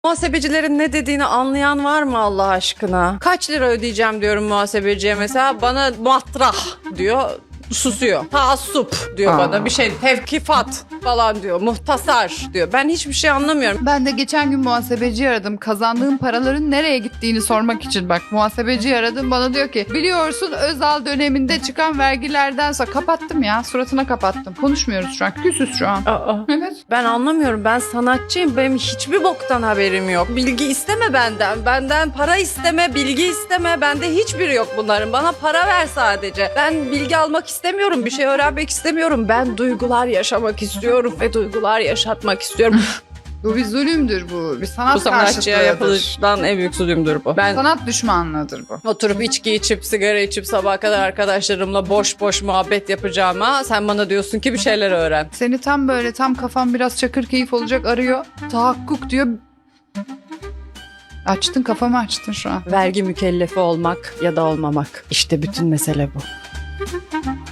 Muhasebecilerin ne dediğini anlayan var mı Allah aşkına? Kaç lira ödeyeceğim diyorum muhasebeciye mesela. Bana matrah diyor. Susuyor. Taassup diyor bana bir şey. Tevkifat falan diyor. Muhtasar diyor. Ben hiçbir şey anlamıyorum. Ben de geçen gün muhasebeci aradım. Kazandığım paraların nereye gittiğini sormak için. Bak muhasebeci aradım. Bana diyor ki biliyorsun Özal döneminde çıkan vergilerden sonra kapattım ya. Suratına kapattım. Konuşmuyoruz şu an. Küsüz şu an. Evet. Ben anlamıyorum. Ben sanatçıyım. Benim hiçbir boktan haberim yok. Bilgi isteme benden. Benden para isteme, bilgi isteme. Bende hiçbiri yok bunların. Bana para ver sadece. Ben bilgi almak istemiyorum. Bir şey öğrenmek istemiyorum. Ben duygular yaşamak istiyorum ve duygular yaşatmak istiyorum. Bu bir zulümdür bu. Bir sanat Bu sanatçıya karşıtlığıdır. yapılan en büyük zulümdür bu. Ben Sanat düşmanlığıdır bu. oturup içki içip, sigara içip sabaha kadar arkadaşlarımla boş boş muhabbet yapacağıma sen bana diyorsun ki bir şeyler öğren. Seni tam böyle tam kafam biraz çakır keyif olacak arıyor. Tahakkuk diyor. Açtın kafamı açtın şu an. Vergi mükellefi olmak ya da olmamak. İşte bütün mesele bu.